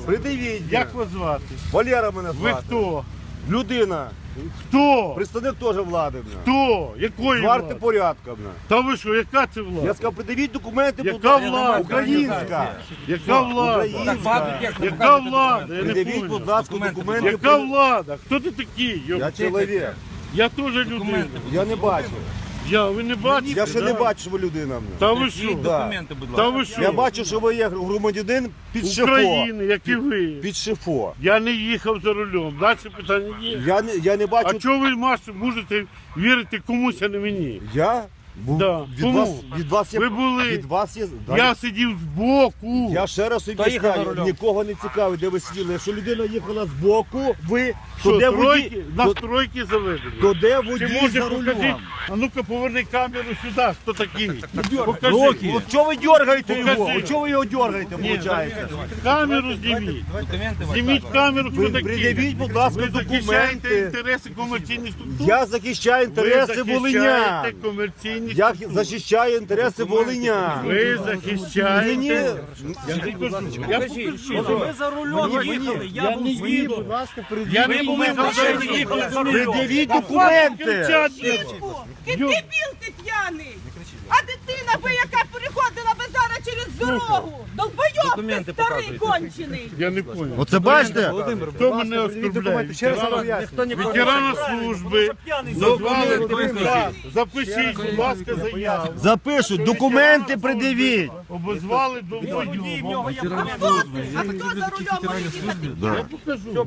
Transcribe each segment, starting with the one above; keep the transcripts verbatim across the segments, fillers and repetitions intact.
Придивіть. Як вас звати? Валера мене звати. Ви хто? Людина. Хто? Представник теж влади. Бля. Хто? Якої Варти влади? порядка. Бля. Та ви що, яка це Я влада? сказав, придивіть документи, будь Яка ласка. влада? Українська. Яка влада? Українська. Яка влада? Я не Придивіть, будь понял. ласка, документи. Яка влада? Хто ти такий? Йо? Я чоловік. Я теж людина. Я не бачу. Я, ви не бачите? Я ще не да? бачу, що ви людина. Бля. Та ви що? Документи, будь Та ласка. ви що? Я бачу, що ви є громадянин під шифо. України, як і ви. Під шифо. Я не їхав за рулем. Далі питання є. Я не, я не А бачу. чого ви Маш, можете вірити комусь, а не мені? Я? Був- Да. Від, Кому? вас, від вас є. Ви були. Від вас є. Да, Я сидів збоку. Я ще раз собі Хто їхав за скажу, рулем? нікого не цікавить, де ви сиділи. Якщо людина їхала з боку, ви, Що, то де тройки? водій, На то, стройки заведені. то де Чи водій може за покажіть? рулем? А ну-ка поверни камеру сюди. Хто такий? Покажи. Роки. От чого ви дергаєте Покажи. його? От чого ви його дергаєте, Ні, виходить? камеру зніміть. Документи ваші. Зніміть камеру, хто Ви такий. пред'явіть, будь ласка, Ви захищаєте документи. інтереси комерційних структур? Я захищаю інтереси Ви волинян. захищаєте комерційні Я структури. захищаю інтереси волинян. Ви захищаєте. Мені- Я покажу. Я покажу. Ви за рулем їхали, я був свідок. Я не Ви був були за машині, рулем. їхали за рулем. Пред'явіть документи. Кричати. Ти дебіл, ти п'яний! А дитина би, яка переходила би зараз через дорогу! Долбойоб ти Документи старий показуйте. кончений! Я не понял. Оце бачите? Хто мене оскорбляє? Ще раз Ветерана- поясню. Ветерана служби. Назвали депутат. Запишіть, будь ласка, заяву. Запишуть, документи пред'явіть. Обозвали до А хто, а хто за рулем може їхати? Я покажу.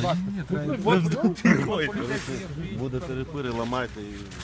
Буде перепири, ламайте.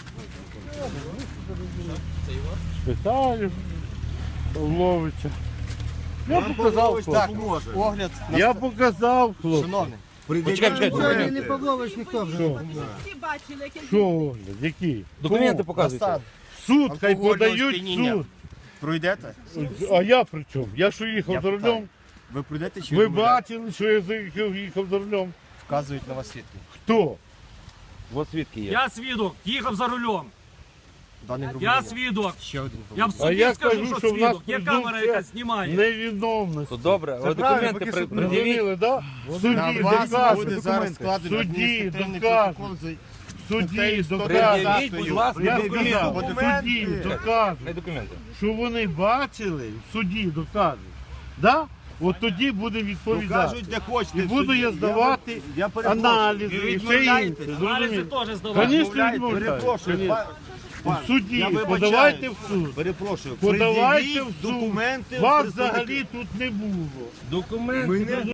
Питаю Павловича. Я показав хлопцю. Огляд. Я показав хлопцю. Почекай, почекай, документи. Всі бачили, яке Що огляд? Які? Документи показуйте. Суд, хай подають суд. Пройдете? А я при чому? Я що їхав за рулем? Ви пройдете чи Ви бачили, що я заїхав, їхав за рулем? вказують на вас свідки? Хто? Ось свідки є. Я свідок, їхав за рулем. Даний Я свідок. Ще один. Я в А суді я скажу, кажу, що що в нас свідок. Є камера, презумпція яка знімає. невиновності. То добре, але документи при- пред'явіть. Зрозуміли, да? В суді доказують. В суді доказують. В суді доказують. Пред'явіть, будь ласка, Я документи. сказав, в суді доказують, Дай документи. що вони бачили, в суді доказують. Да? От тоді буде відповідати. Покажуть, де хочете. І буду я здавати Я перепрошую. аналізи і все інше. Аналізи Зрозуміли? теж здавали. Звісно, відмовляю. Перепрошую. Конечно. па- В пан, суді, я вибачаюсь. подавайте в суд. Перепрошую. Подавайте Пред'явіть в суд. документи. Вас представника- взагалі тут не було. Документи. Мене